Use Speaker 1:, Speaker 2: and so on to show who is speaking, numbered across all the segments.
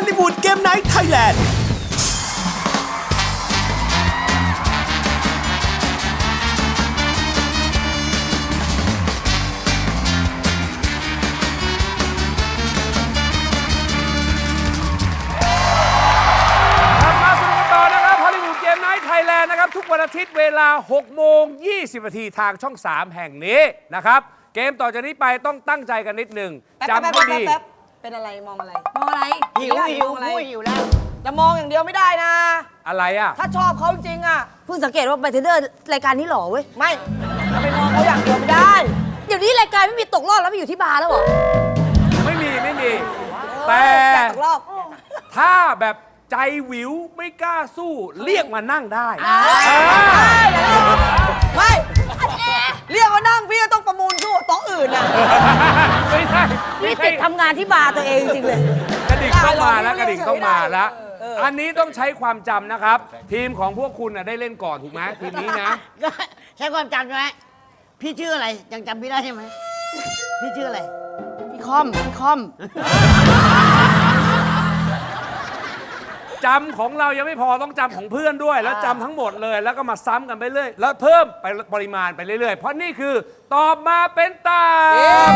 Speaker 1: ลลีวูดเกมไนท์ไทยแลนด์
Speaker 2: ทุกวันอาทิตย์เวลา 6:20 นาทีทางช่อง 3 แห่งนี้นะครับเกมต่อจากนี้ไปต้องตั้งใจกันนิดนึงจำให้ดี
Speaker 3: เป็นอะไรมองอะไร
Speaker 4: มองอะไร
Speaker 3: หิวแล้วจะมองอย่างเดียวไม่ได้นะ
Speaker 2: อะไรอ่ะ
Speaker 3: ถ้าชอบเขาจริงอ่ะ
Speaker 4: เพิ่งสังเกตว่าไปเทนเดอร์รายการนี้หล่อเว้ย
Speaker 3: ไม่จะไปมองเขาอย่างเดียวไม่ได้
Speaker 4: เดี๋ยวนี้รายการไม่มีตกรอบแล้วไปอยู่ที่บาร์แล้วเหรอ
Speaker 2: ไม่มีแต่
Speaker 3: อยากตกรอบ
Speaker 2: ถ้าแบบใจวิวไม่กล้าสู้เรียกมานั่งได้
Speaker 3: ไม่เรียกว่านั่งพี่ก็ต้องประมูลสู้โต๊ะอื่นอ่ะ
Speaker 2: ไม่ใช่
Speaker 4: นี่ติดทำงานที่บาร์ตัวเองจริงเลย
Speaker 2: กระดิ่งต้องมาแล้วกระดิ่งต้องมาแล้วอันนี้ต้องใช้ความจำนะครับ ทีมของพวกคุณได้เล่นก่อนถูกไหมทีมนี้นะ
Speaker 5: ใช้ความจำใช่ไหมพี่ชื่ออะไรยังจำพี่ได้ใช่ไหมพี่ชื่ออะไร
Speaker 4: พี่คอม
Speaker 2: จำของเรายังไม่พอต้องจำของเพื่อนด้วย แล้วจำทั้งหมดเลยแล้วก็มาซ้ำกันไปเรื่อยแล้วเพิ่มไปปริมาณไปเรื่อยๆเพราะนี่คือตอบมาเป็นตาม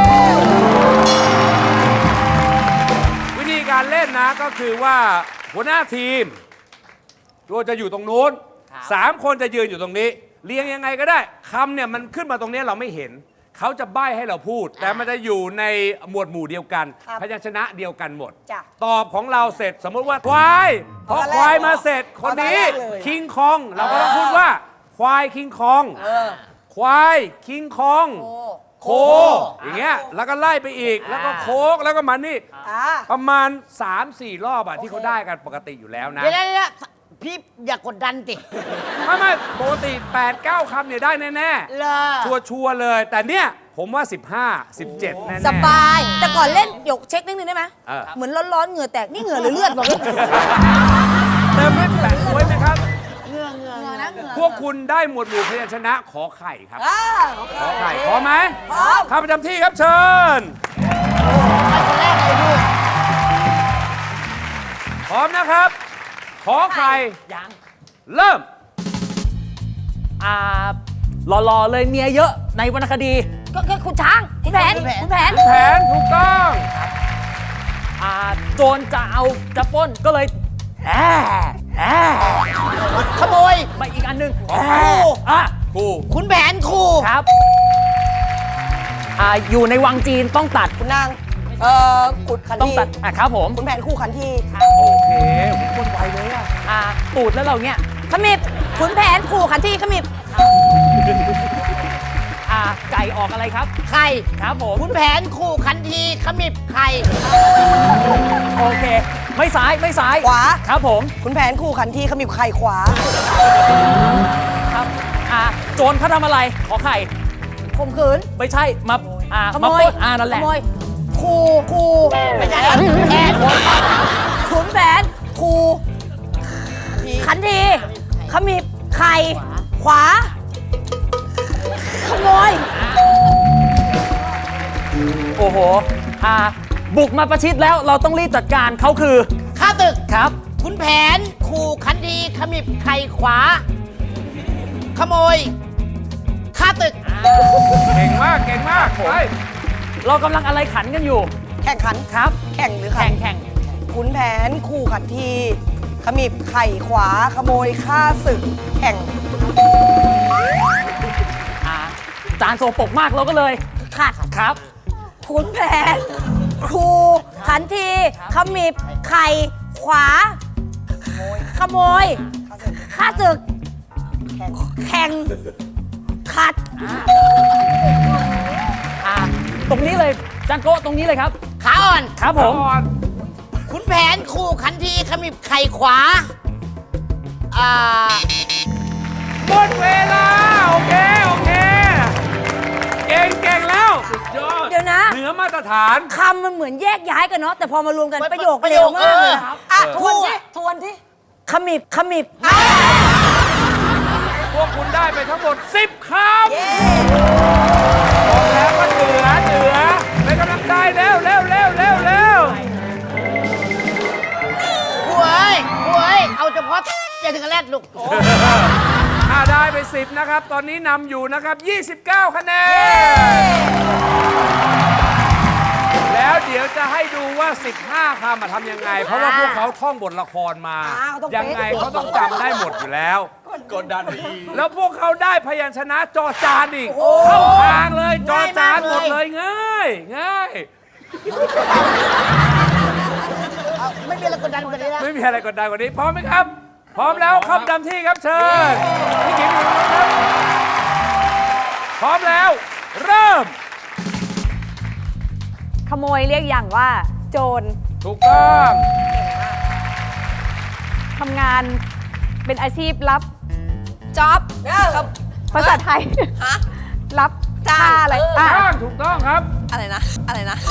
Speaker 2: วิธีการเล่นนะก็คือว่าหัวหน้าทีมตัวจะอยู่ตรงนู้น3 คนจะยืนอยู่ตรงนี้เรียงยังไงก็ได้คำเนี่ยมันขึ้นมาตรงนี้เราไม่เห็นเขาจะใบ้ให้เราพูดแต่มันจะอยู่ในหมวดหมู่เดียวกันพยัญชนะเดียวกันหมดตอบของเราเสร็จสมมติว่าควายพอควายมาเสร็จคนนี้คิงคองเราก็ต้องพูดว่าควายคิงคองควายคิงคองโคอย่างเงี้ยแล้วก็ไล่ไปอีกแล้วก็โคกแล้วก็มันนี่ประมาณ 3-4 รอบอะที่เขาได้กันปกติอยู่แล้วนะ
Speaker 5: เดี๋ยวพี่อย่ากดดันติ
Speaker 2: ไม่ปกติ 8-9 คำเนี่ยได้แน่ๆชัวร์เลย แต่เนี่ยผมว่า 15-17 แน่ๆ
Speaker 4: สบาย แต่ก่อนเล่นหยกเช็คนิดนึงได้ไหมเหมือนร้อนๆเหงื่อแตกนี่เหงื่อหรือเลือดบอกเลย
Speaker 2: เติมไม่แปะไว้ไหมครับ
Speaker 5: เงื่อ
Speaker 4: นะ
Speaker 2: พวกคุณได้หมวดหมู่พยัญชนะขอไข่ครับขอไข่พร้อมไหม
Speaker 4: พร้อม
Speaker 2: ข้าประจำที่ครับเชิญพร้อมนะครับขอไข่ยังเริ่ม
Speaker 6: หล่อๆเลยเมียเยอะในวรรณคดี
Speaker 4: ก็คุณช้างคุณแผน
Speaker 2: แผนถูกต้อง
Speaker 6: โจรจะปล้นก็เลย
Speaker 5: ขโมย
Speaker 6: มาอีกอันหนึง
Speaker 2: ครู
Speaker 5: ขุนแผนครู
Speaker 6: ครับอยู่ในวังจีนต้องตัด
Speaker 3: คุณนางขุดขัน
Speaker 6: ต้อง
Speaker 3: ที
Speaker 6: ตัดครับผม
Speaker 3: คุณแผนคู่ขันที
Speaker 2: โอเคคนไวเลยอะ
Speaker 6: ตูดแล้วเราเนี่ย
Speaker 4: ขมิบขุนแผนขู่ขันที่ขมิบ
Speaker 6: ไก่ออกอะไรครับ
Speaker 5: ไข่
Speaker 6: ครับผม
Speaker 5: ขุนแผนครูขันทีขมิบไข่
Speaker 6: โอเคไม่ซ้าย
Speaker 3: ขวา
Speaker 6: ครับผม
Speaker 3: คุณแผนคู่ขันทีขมิบไข่ขวา
Speaker 6: ครับโจรเขาทำอะไรขอไข่
Speaker 4: ข่มขืน
Speaker 6: ไม่ใช่มา
Speaker 4: ขโม
Speaker 6: มาย ปล้นนั่นแห
Speaker 4: ข
Speaker 6: ละ
Speaker 4: โมยขู่
Speaker 5: ไม่ใช่แผน
Speaker 4: ขุนแผนขู่ขันทีขมิบไข่ขวาขโมย
Speaker 6: โอ้โหบุกมาประชิดแล้วเราต้องรีบจัดการเขาคือ
Speaker 5: ข้าตึก
Speaker 6: ครับ
Speaker 5: ขุนแผนครูขันทีขมิบไข่ขวา ขโมยข้าตึก
Speaker 2: เก่งมากไป
Speaker 6: เรากำลังอะไรขันกันอยู่
Speaker 3: แข่งขัน
Speaker 6: ครับ
Speaker 3: แข่งหรือขัน
Speaker 6: แข่ง
Speaker 3: ขุนแผนคู่ขันทีขมิบไข่ขวาขโมยฆ่าศึกแข่ง
Speaker 6: จานโซปกมากเราก็เลยขัดครับ
Speaker 4: ขุนแผนขู่ขันทีขมิบไข่ขวาขโมยฆ่าศึกแข่งขัด
Speaker 6: ตรงนี้เลยจานโก้ตรงนี้เลยครับ
Speaker 5: ขาอ่อน
Speaker 6: ครับผม
Speaker 5: ขุนแผนครูขันทีขมิบไข่ขวา
Speaker 2: หมดเวลาโอเคเก่งแล้วสุดยอด
Speaker 4: เดี๋ยวนะ
Speaker 2: เหนือมาตรฐาน
Speaker 4: คำมันเหมือนแยกย้ายกันเนาะแต่พอมารวมกันประโยคเร็วมากเลยทวนที่ขมิบ
Speaker 2: พวกคุณได้ไปทั้งหมด 10 คำบอกแล้วว่าเหนือเป็นกำลังใจเร็ว
Speaker 5: เพราะจะถึงกันแรกลูก
Speaker 2: ได้ไป 10 นะครับ ตอนนี้นำอยู่นะครับ 29 คะแนน แล้วเดี๋ยวจะให้ดูว่า 15 คำทำยังไง เพราะว่าพวกเขาท่องบทละครมา ยังไงเขาต้องจำได้หมดอยู่แล้ว
Speaker 1: กดดันอีก
Speaker 2: แล้วพวกเขาได้พยัญชนะจอจานอีก เข้าทางเลย จอจานหมดเลยง่ายง่าย
Speaker 5: ไม่มีอะไรกดดันกว่านี้แล้ว
Speaker 2: ไม่มีอะไรกดดันกว่านี้ พร้อมไหมครับ พร้อมแล้วเข้าประจำที่ครับเชิญพี่กิ๋มอยู่ตรงนู้นครับพร้อมแล้ว เริ่ม
Speaker 7: ขโมยเรียกอย่างว่า โจร
Speaker 2: ถูกต้อง
Speaker 7: ทำงานเป็นอาชีพรับ
Speaker 3: จ๊อบ
Speaker 7: ภาษาไทย
Speaker 3: ฮะ
Speaker 7: รับจ้าอะไร
Speaker 2: จ้างถูกต้องครับ
Speaker 3: อะไรนะ อะไรนะ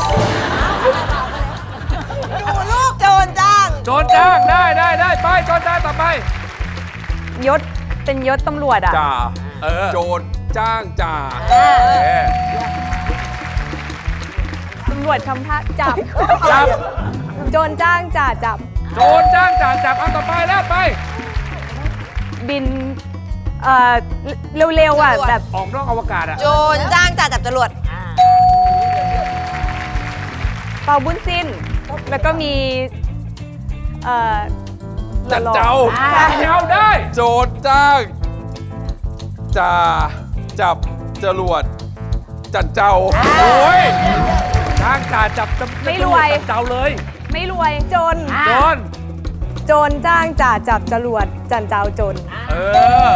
Speaker 3: ดูลูกโจรจ้าง
Speaker 2: โจรจ้างได้ไปโจรจ้างต่อไป
Speaker 7: ยศเป็นยศตำรวจอ่ะ
Speaker 2: จ่าโจรจ้างจ่า
Speaker 7: ตำรวจทำท่าจับ
Speaker 2: จับ
Speaker 7: โจรจ้างจ่าจับ
Speaker 2: โจรจ้างจ่าจับเอาต่อไปแล้วไป
Speaker 7: บิน เร็วๆอ่ะ แบบ
Speaker 2: ออกนอกอวกาศอ่ะ
Speaker 3: โจรจ้างจ่าจับจรวด
Speaker 7: เป่าบุญสิ้น แล้วก็มี
Speaker 2: จัดเจ้าเจ้าได้
Speaker 8: โจรจ้างจ่าจับจรวดจันเจ้า
Speaker 2: โอ้ยจ้างจ่าจับจับ
Speaker 7: ไม่รวย
Speaker 2: จับเจ้าเลย
Speaker 7: ไม่รวยจน
Speaker 2: โจร
Speaker 7: โจรจ้างจ่าจับจรวดจันเจ้าจน
Speaker 2: เออ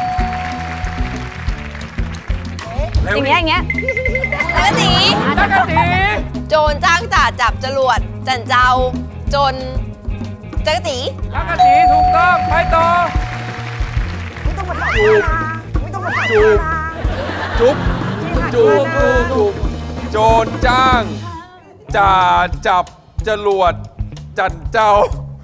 Speaker 2: เร็ว
Speaker 7: อย่าง
Speaker 2: ดิ
Speaker 7: เงี้ยอย่างเงี้ย
Speaker 3: แล้วก็สี
Speaker 2: จักรจี
Speaker 3: โจรจ้างจ่าจับจรวดจันเจ้าจนจักรจี
Speaker 2: จักรจีถูกต้องไปต่อ
Speaker 8: จุ๊บจุ๊บโจรจ้างจ่าจับจรวดจันเจ้า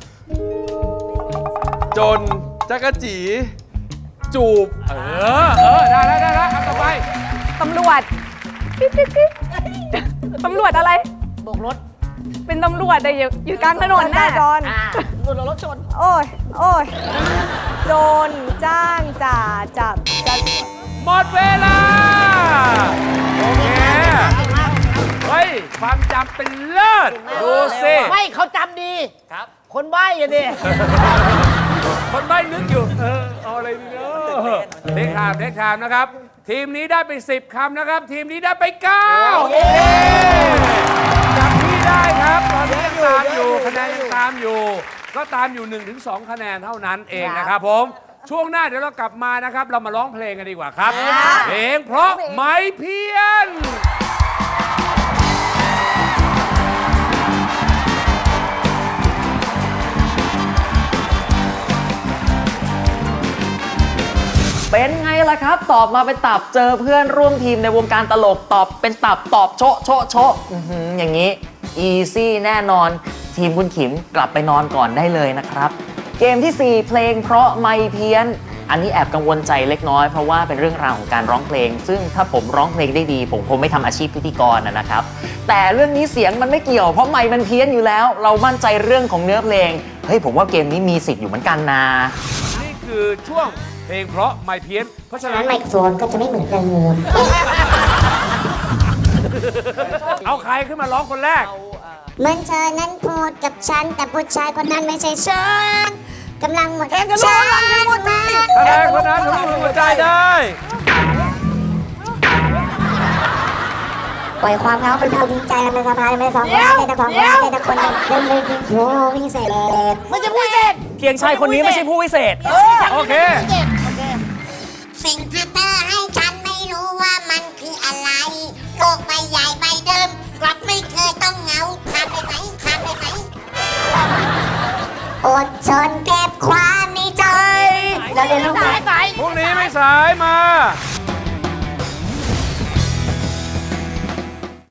Speaker 8: จนจักรจีจูบ
Speaker 2: ได้แล้วเอาต่อไป
Speaker 7: ตำรวจปิ๊บปิ๊บปิ๊บตำรวจอะไร
Speaker 5: โบกรถ
Speaker 7: เป็นตำรวจแต่อยู่กลางถนนน่ะ
Speaker 5: รถรถชน
Speaker 7: โอ้ยโจรจ้างจ่าจับจะ
Speaker 2: หมดเวลา โอเคเฮ้ยความจำเป็นเลิศดูสิ
Speaker 5: ไม่เขาจำดี ครับ คนใบ้อะดิ
Speaker 2: คนใบ้นึกอยู่ เอาอะไรดีเนาะเด็กถามนะครับ ทีมนี้ได้ไป 10 คำนะครับ ทีมนี้ได้ไป9จับที่ได้ครับ ตอนนี้ยังตามอยู่ คะแนนยังตามอยู่ ก็ตามอยู่ 1-2 คะแนนเท่านั้นเองนะครับผม ช่วงหน้าเดี๋ยวเรากลับมานะครับ เรามาร้องเพลงกันดีกว่าครับ เพลงเพราะไม้เพี้ยน
Speaker 6: เป็นไงล่ะครับ ตอบมาเป็นตับเจอเพื่อนร่วมทีมในวงการตลกตอบเป็นตับตอบโชะโชะโชะอย่างนี้ อีซี่แน่นอน ทีมคุณขิมกลับไปนอนก่อนได้เลยนะครับ เกมที่ 4 เพลงเพราะไม่เพี้ยน อันนี้แอบกังวลใจเล็กน้อยเพราะว่าเป็นเรื่องราวของการร้องเพลง ซึ่งถ้าผมร้องเพลงได้ดี ผมคงไม่ทำอาชีพพิธีกรนะครับ แต่เรื่องนี้เสียงมันไม่เกี่ยวเพราะไมค์มันเพี้ยนอยู่แล้ว เรามั่นใจเรื่องของเนื้อเพลงเฮ้ยผมว่าเกมนี้มีสิทธิ์อยู่เหมือนกันนะ
Speaker 2: นี่คือช่วงเพลงเพราะไม่เพี้ยน เพราะฉะนั้น
Speaker 9: ไมโครโฟนก็จะไม่เหมือนเดิม
Speaker 2: เอาใครขึ้นมาร้องคนแรก
Speaker 9: เหมือนเธอนั้นพูดกับฉัน แต่ผู้ชายคนนั้นไม่ใช่ฉันกำลังหมดฉัน
Speaker 2: คะแนนคนนั้นทะลุหัวใจได้
Speaker 9: ปล่อยความเหงาเป็นเท่าทิ้งใจมันสะพานไม่สองคนใจแต่ของเราใจแต่คนเดินเลยโอ้พิเศษ
Speaker 5: ไม่จะพูดเสร็จ
Speaker 6: เพียงชายคนนี้ไม่ใช่ผู้วิเศษ
Speaker 2: โอเค
Speaker 9: สิ่งที่เธอให้ฉันไม่รู้ว่ามันคืออะไรโลกใบใหญ่ใบเดิม กลับไม่เคยต้องเหงาข้ามได้ไหมอดทนเก็บความในใจแล้วเรียนรู้ไหม
Speaker 2: พรุ่งนี้ไม่สายมา